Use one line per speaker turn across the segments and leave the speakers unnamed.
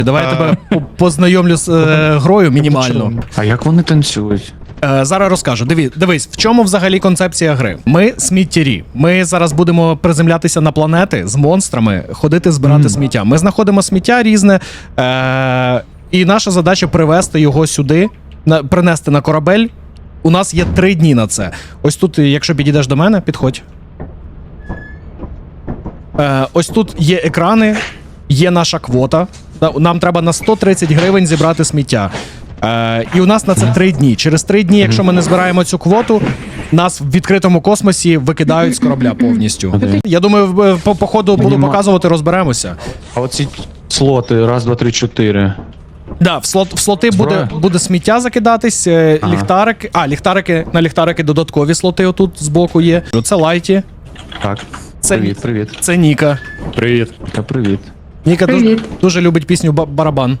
Давай я тебе познайомлю з грою мінімально.
А як вони танцюють?
Зараз розкажу. Дивись, в чому взагалі концепція гри? Ми сміттярі. Ми зараз будемо приземлятися на планети з монстрами, ходити збирати сміття. Ми знаходимо сміття різне, і наша задача привезти його сюди, принести на корабель. У нас є 3 дні на це. Ось тут, якщо підійдеш до мене, підходь. Ось тут є екрани, є наша квота. Нам треба на 130 гривень зібрати сміття. І у нас на це 3 дні. Через 3 дні, якщо ми не збираємо цю квоту, нас в відкритому космосі викидають з корабля повністю. Я думаю, по ходу буду показувати, розберемося.
А оці слоти, 1, 2, 3, 4.
Да, в слоти буде сміття закидатись, ліхтарики, на ліхтарики додаткові слоти отут збоку є. Це Лайті.
Так.
Це,
Привіт.
Це Ніка.
Привіт.
Та привіт.
Ніка дуже любить пісню «Барабан».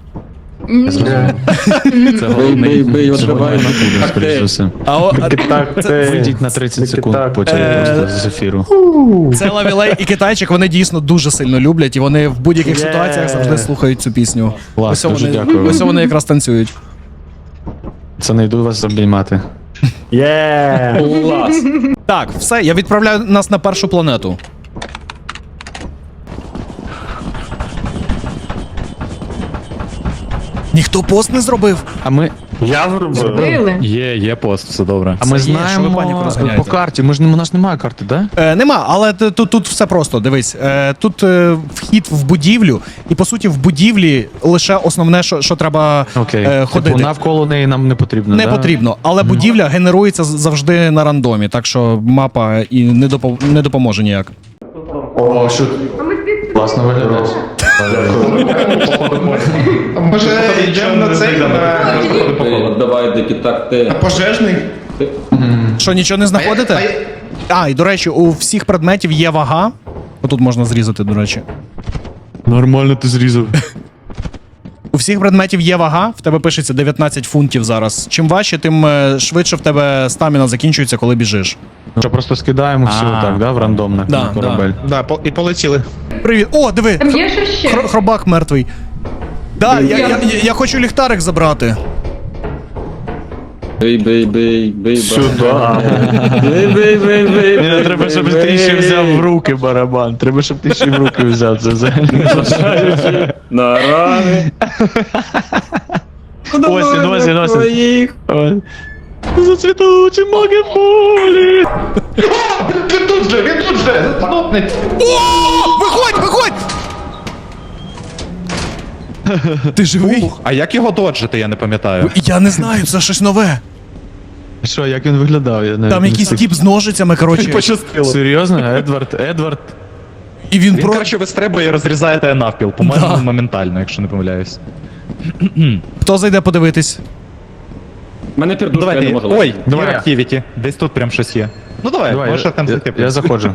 Це головний. Скоріше за все. Вийдіть на 30 секунд потім просто з ефіру.
Це Лавілей і Китайчик, вони дійсно дуже сильно люблять, і вони в будь-яких ситуаціях завжди слухають цю пісню.
Клас, дуже дякую.
Ось вони якраз танцюють.
Це не йду вас обіймати.
Клас.
Так, все, я відправляю нас на першу планету. Ніхто пост не зробив.
А ми...
Я зробив.
Били.
Є пост, все добре.
А ми
Це є, що ви паніку
знаємо
розганяєте.
по карті. У нас немає карти, да?
Нема, але тут все просто. Дивись, тут вхід в будівлю, і по суті в будівлі лише основне, що треба
Окей.
ходити.
Типу, навколо неї нам не потрібно,
Не
да?
потрібно, але будівля генерується завжди на рандомі, так що мапа і не допоможе ніяк.
О, що? Класно виглядає.
Може йдемо на цей,
Давай дикі такти.
на пожежний?
Що, нічого не знаходите? І до речі, у всіх предметів є вага. Отут можна зрізати, до речі.
Нормально ти зрізав.
У всіх предметів є вага, в тебе пишеться 19 фунтів зараз. Чим важче, тим швидше в тебе стаміна закінчується, коли біжиш.
Що просто скидаємо всі отак, да, в рандомне
Да,
на корабель.
Да, і полетіли.
Привіт! О, диви!
Там є що ще?
Хробак мертвий. Да, я хочу ліхтарик забрати.
Бий.
Сюда.
Бий.
Мені треба, щоб ти ще взяв в руки барабан. Треба, щоб ти ще в руки взяв це взагалі.
На рани.
Носі. Зацвітучі маги полі.
Він тут же, знопнить.
Виходь! Ти живий?
А як його доджити, я не пам'ятаю.
Я не знаю, це щось нове.
Що, як він виглядав? Я навіть
Там
не
якийсь
встиг.
тіп з ножицями, коротше.
Пощастило.
Серйозно? Едвард.
І він
Він, коротше, вистрибує і розрізає навпіл. По-моєму, моментально, якщо не помиляюсь.
Хто зайде подивитись?
Мене пердушка, я не
Давайте.
можу.
Ой,
Давай.
є активіті. Десь тут прям щось є. Ну давай, можеш там зайти.
Я заходжу.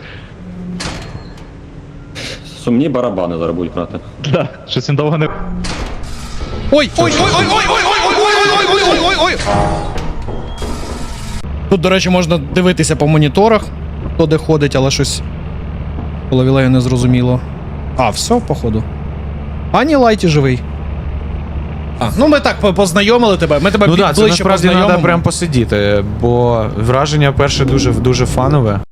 Сумні барабани зараз будуть грати.
Да, щось він довго не...
Ой! Тут, до речі, можна дивитися по моніторах, хто де ходить, але щось по Лавілею не зрозуміло. Все, походу. Ні, Лайті живий. Ну ми так познайомили тебе, ми тебе
Ну так, це
ближче
насправді
познайомимо.
треба прям посидіти, бо враження перше дуже фанове.